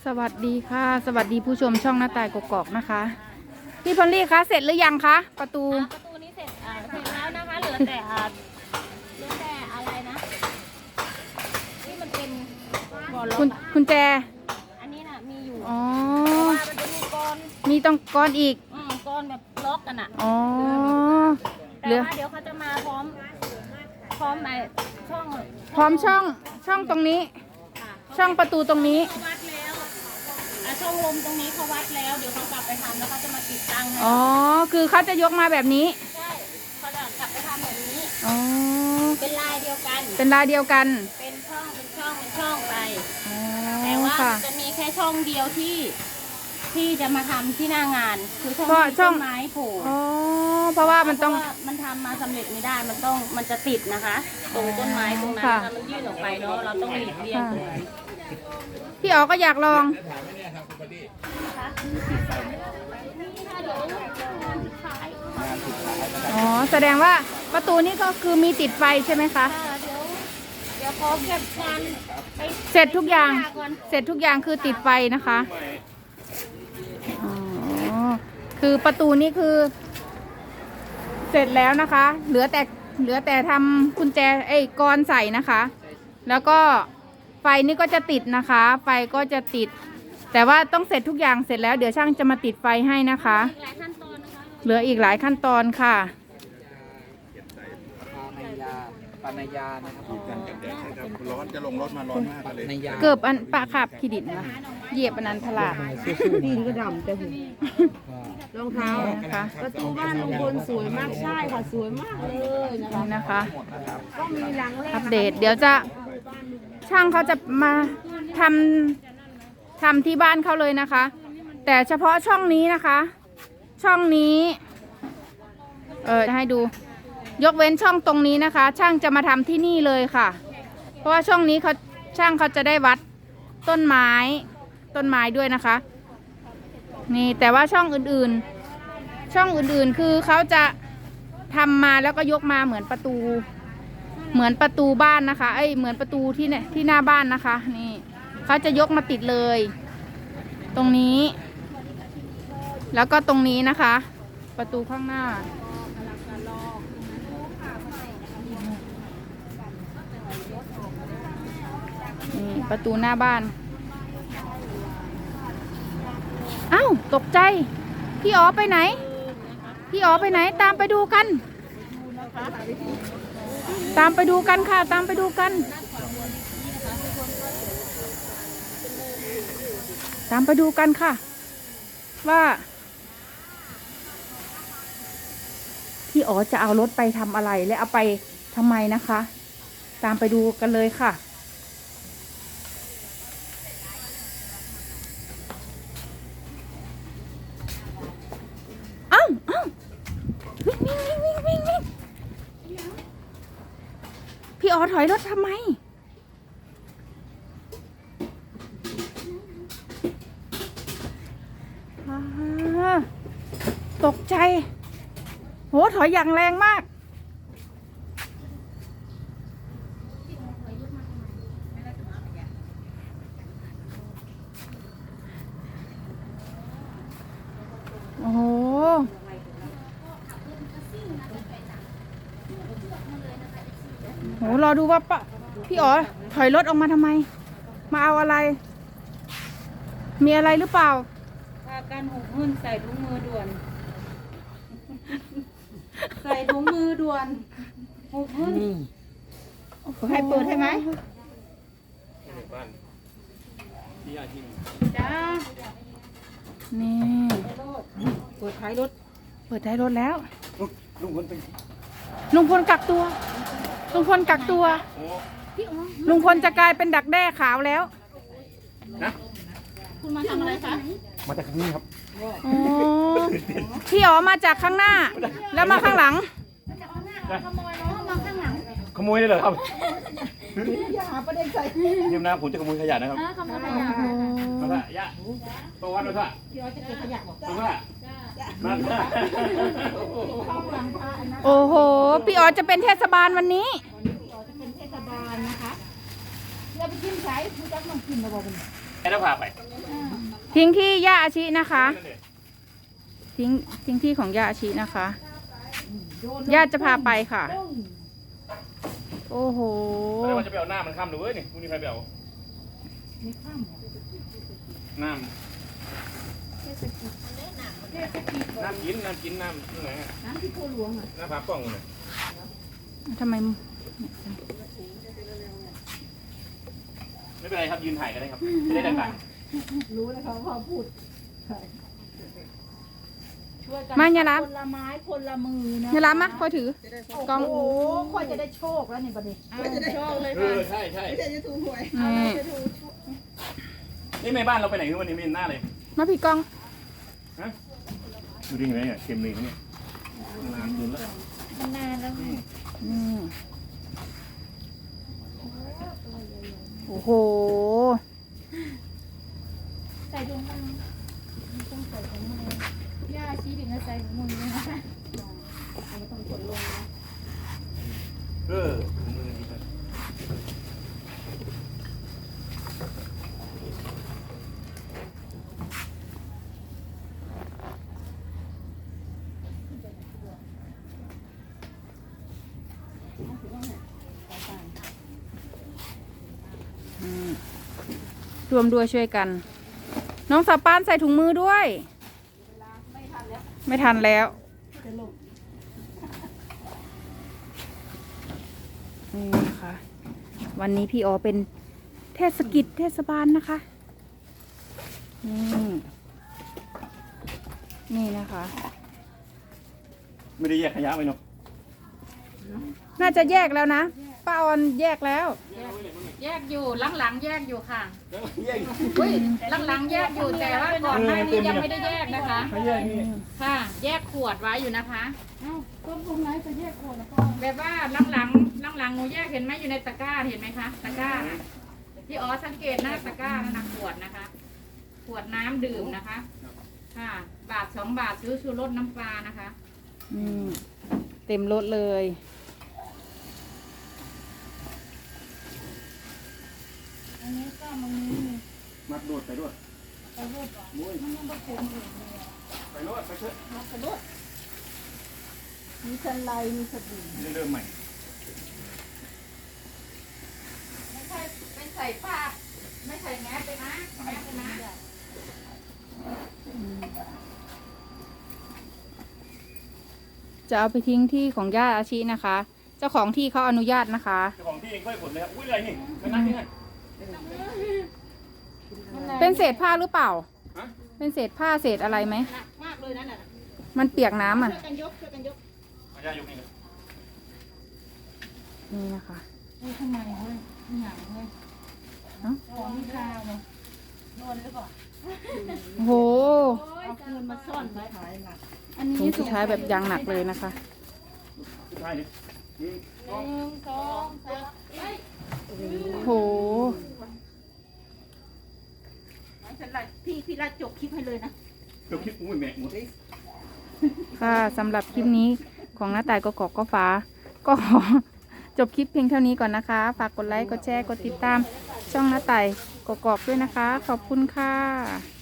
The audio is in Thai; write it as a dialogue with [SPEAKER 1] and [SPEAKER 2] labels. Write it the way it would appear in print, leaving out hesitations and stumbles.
[SPEAKER 1] สวัสดีค่ะสวัสดีผู้ชมช่องหน้าต่ายกอกๆนะคะพี่พอลลี่คะเสร็จหรือยังคะประตู
[SPEAKER 2] นี้เสร็จแล้วนะคะเหลือแต่อะไรนะที่มันเป็นบ่อล็อก
[SPEAKER 1] คุณแจ
[SPEAKER 2] อันนี้น่ะมีอยู่
[SPEAKER 1] อ๋อ
[SPEAKER 2] ว่ามันจะมี
[SPEAKER 1] มีต้องก้อนอีก
[SPEAKER 2] ก้อนแบบล็อกกันอ่ะ
[SPEAKER 1] อ๋อ
[SPEAKER 2] แต่ว่าเดี๋ยวเขาจะมาพร้อมไอ้ช่อง
[SPEAKER 1] พร้อมช่องตรงนี้ช่องประตูตรงนี้
[SPEAKER 2] เขาวัดแล้วช่องลมตรงนี้เขาวัดแล้วเดี๋ยวเขากลับไปทำแล้วเขาจะมาติดตั้งให้
[SPEAKER 1] อ๋อคือเขาจะยกมาแบบนี้
[SPEAKER 2] ใช่เขาจะกลับไปทำแบบนี้
[SPEAKER 1] อ๋อ
[SPEAKER 2] เป็นลายเดียวกัน
[SPEAKER 1] เป็นลายเดียวกัน
[SPEAKER 2] เป็นช่องไปแต่ว่าจะมีแค่ช่องเดียวที่จะมาทำที่หน้างานคือช่องต้นไม้โผล่
[SPEAKER 1] เพราะว่ามันต้อง
[SPEAKER 2] มันทำมาสำเร็จไม่ได้มันจะติดนะคะตรงต้นไม้ตรงนั้นมันยื่นออกไปเนาะเราต้องหลีกเลี่ยงตรงนั้น
[SPEAKER 1] พี่อ๋อก็อยากลองอ๋อแสดงว่าประตูนี้ก็คือมีติดไฟใช่ไหมคะ
[SPEAKER 2] เดี๋ยวขอเก็บงาน
[SPEAKER 1] เสร็จทุกอย่างคือติดไฟนะคะอ๋อคือประตูนี้คือเสร็จแล้วนะคะเหลือแต่ทำกุญแจกรใส่นะคะแล้วก็ไฟนี่ก็จะติดนะคะไฟก็จะติดแต่ว่าต้องเสร็จทุกอย่างเสร็จแล้วเดี๋ยวช่างจะมาติดไฟให้นะคะเหลืออีกหลายขั้นตอนค่ะ
[SPEAKER 3] ปานายานะครับ
[SPEAKER 4] ร้อนจะลงรถมาร้อนมากเลย
[SPEAKER 1] เกือบอันปลาขับขีดินนะเหยียบอันนั้นทลาด
[SPEAKER 3] ดินก็ดำแต่หูรองเท้า
[SPEAKER 1] ค่ะ
[SPEAKER 3] ประตูบ้านลุงพลสวยมากใช่ค่ะสวยมากเลย
[SPEAKER 1] นะคะ
[SPEAKER 3] ก็มีหลังแรก
[SPEAKER 1] อัปเดตเดี๋ยวจะช่างเขาจะมาทำที่บ้านเขาเลยนะคะแต่เฉพาะช่องนี้นะคะช่องนี้ให้ดูยกเว้นช่องตรงนี้นะคะช่างจะมาทำที่นี่เลยค่ะเพราะว่าช่องนี้ช่างเขาจะได้วัดต้นไม้ด้วยนะคะนี่แต่ว่าช่องอื่นคือเขาจะทำมาแล้วก็ยกมาเหมือนประตูบ้านนะคะเหมือนประตูที่หน้าบ้านนะคะนี่เขาจะยกมาติดเลยตรงนี้แล้วก็ตรงนี้นะคะประตูข้างหน้านี่ประตูหน้าบ้านอ้าวตกใจพี่อ๋อไปไหนตามไปดูกันค่ะตามไปดูกันค่ะว่าพี่อ๋อจะเอารถไปทำอะไรและเอาไปทำไมนะคะตามไปดูกันเลยค่ะวิ่งพี่อ๋อถอยรถทำไมตกใจโหถอยอย่างแรงมากโอ้โหรอดูว่าพี่อ๋อถอยรถออกมาทำไมมาเอาอะไรมีอะไรหรือเปล่า
[SPEAKER 2] พากันหุบหุ้นใส่ถุงมือด่วนหุบหุ้น
[SPEAKER 1] ให้เปิดให้ไหม
[SPEAKER 2] จ้า
[SPEAKER 1] นี่
[SPEAKER 3] เปิดท้ายรถ
[SPEAKER 1] แล้วลุงพลกักตัวลุงพลจะกลายเป็นดักแด้ขาวแล้ว
[SPEAKER 4] นะ
[SPEAKER 2] คุณมาทำอะไรคะ
[SPEAKER 4] มาจากนี้ครับ
[SPEAKER 1] พี่อ๋อมาจากข้างหน้าแล้วมาข้างหลัง
[SPEAKER 4] ขโมยได้เหรอครับอย่าหาประเด็นใส่ยืมนะผมจะขโมยขยะนะครับ
[SPEAKER 2] ขโมยขยะ
[SPEAKER 4] มาละยะตัววัดมาละ
[SPEAKER 2] พี่อ๋อจะเก็บขยะบอก
[SPEAKER 4] ตัวว่ามาละ
[SPEAKER 1] โอ้โหพี่อ๋อจะเป็นเทศบาลวันนี้
[SPEAKER 2] พี่อ๋อจะเป็นเทศบาลนะคะเราไปกินไก่ผู้จักน้องกินมาบอกกัน
[SPEAKER 4] ให้เราพาไป
[SPEAKER 1] ทิ้งที่ย่าอาชินะคะ ทิ้งที่ของย่าอาชินะคะย่าจะพาไปค่ะ โอ้โห
[SPEAKER 4] ไม่ได้ว่าจะไปเอาหน้ามันข้ามหรือเว้ยนี่คุณนี่ใครไปเอาน้ำกินน้ำที่ไหนอะน้ำที่โพหลวงอะน้ำผากล้องเลย
[SPEAKER 1] ทำไม
[SPEAKER 4] ไม่เป็นไรครับยืนถ่ายกันได้ครับจะได้ดัง
[SPEAKER 3] รู้แล้วเขาพอพูด
[SPEAKER 1] มาอย่ารับ
[SPEAKER 3] คนละไม้คนละมือนะ
[SPEAKER 1] อย่ารับมาคอยถือกล้อง
[SPEAKER 3] โอ้โหค่อยจะได้โชคแล้วนี่บัดนี้จะได้โชคเลย
[SPEAKER 4] ใช่ใช่
[SPEAKER 3] จะถูกหวย
[SPEAKER 1] นี่
[SPEAKER 4] นี่แม่บ้านเราไปไหนวันนี้ไม่เห็นหน้าเลย
[SPEAKER 1] มาพี่กล้อง
[SPEAKER 4] ฮะดูดิเห็นไหมเนี่ยเค็มเลยเนี่ยนานเกินแล้ว
[SPEAKER 3] นานแล้ว
[SPEAKER 1] นี่โอ้โห
[SPEAKER 3] ใส่ดวงมือต้องใส่ดวงมือย่าชี้ถึงจะใส่ดวงมือนะคะเอามาต้องกดลงนะ
[SPEAKER 4] มือดีไป
[SPEAKER 1] รวมด้วยช่วยกัน น้องสาวป้านใส่ถุงมือด้วย ไม่ทันแล้วนี่นะคะวันนี้พี่อ๋อเป็นเทศกิจเทศบาลนะคะนี่นะคะ
[SPEAKER 4] ไม่ได้แยกขยะไว้เนาะ
[SPEAKER 1] น่าจะแยกแล้วนะป้าออนแยกแล้ว
[SPEAKER 2] แยกอยู่หลังๆแยกอยู่ค่ะ
[SPEAKER 4] แยก
[SPEAKER 2] อุ้ยหลังๆแยกอยู่แต่ว่าก่อนหน้านี้ยังไม่ได้แยกนะคะ
[SPEAKER 4] ไม่แยกนี่
[SPEAKER 2] ค่ะ แยกขวดไว้อยู่นะคะ
[SPEAKER 3] ก็พงไรจะแยกคนแล้วก็
[SPEAKER 2] แบบว่าหลังหนูแยกเห็นไหมอยู่ในตะกร้าเห็นไหมคะตะกร้าน่ะพี่อ๋อสังเกตหน้าตะกร้านั่นนะขวดนะคะ ขวดน้ำดื่มนะคะ ค่ะ บาท2 บาทซื้อชูรสน้ำปลานะคะ
[SPEAKER 1] เต็มรถเลย
[SPEAKER 3] อันนี้ก็มันมี
[SPEAKER 4] มัดโดดไปด้วย
[SPEAKER 3] ไปรูดมันยังไม่เต็มเลย
[SPEAKER 4] ไปโดดไปเถอะ
[SPEAKER 3] มากระโดดมีสไลด์มีสบู่
[SPEAKER 4] เริ่มใหม่
[SPEAKER 2] ไม่ใช่ไม่ใส่ผ้าไม่ใส่แมสเลยนะแมสเลยนะ
[SPEAKER 1] จะเอาไปทิ้งที่ของย่าอาชินะคะ เจ้าของที่เขาอนุญาตนะคะ
[SPEAKER 4] เจ้าของที่เองก็ให้ผลเลยครับอุ้ยอะไรนี่มานั่งนี่ไง
[SPEAKER 1] เป็นเศษผ้าหรือเปล่า
[SPEAKER 4] ฮะ
[SPEAKER 1] เป็นเศษผ้าเศษอะไรไหม
[SPEAKER 3] หนักมากเลยนั่นน่ะ
[SPEAKER 1] มันเปียกน้ำอ่ะ
[SPEAKER 3] ช่วยกันยกช่วยกันยก
[SPEAKER 4] มายายกนี่เลย
[SPEAKER 1] นี่นะคะ
[SPEAKER 3] ทำไมเว้ยหนังเว้ย
[SPEAKER 1] เอ้า
[SPEAKER 3] ของมีค่าเนาะโดนหรือเปล่า
[SPEAKER 1] โอ้โห
[SPEAKER 3] เอาเงินมาซ่อนไว้ขายหนัก
[SPEAKER 1] ถุงสุดท้ายแบบยางหนักเลยนะคะ
[SPEAKER 4] สุดท้ายนี่นี่
[SPEAKER 3] 1 2 3เฮ้ย
[SPEAKER 1] โอ้โห
[SPEAKER 3] ฉันไล่พี่รัดจบคลิปให้เลยนะ
[SPEAKER 4] เกือบคิดอุ้ยแม่หมด
[SPEAKER 1] ค่ะสำหรับคลิปนี้ของน้าต่ายกกอกก็ฟ้า ก็ขอจบคลิปเพียงเท่านี้ก่อนนะคะ ฝากกดไลค์ กดแชร์ กดติดตาม ช่องน้าต่ายกกอกด้วยนะคะ ขอบคุณค่ะ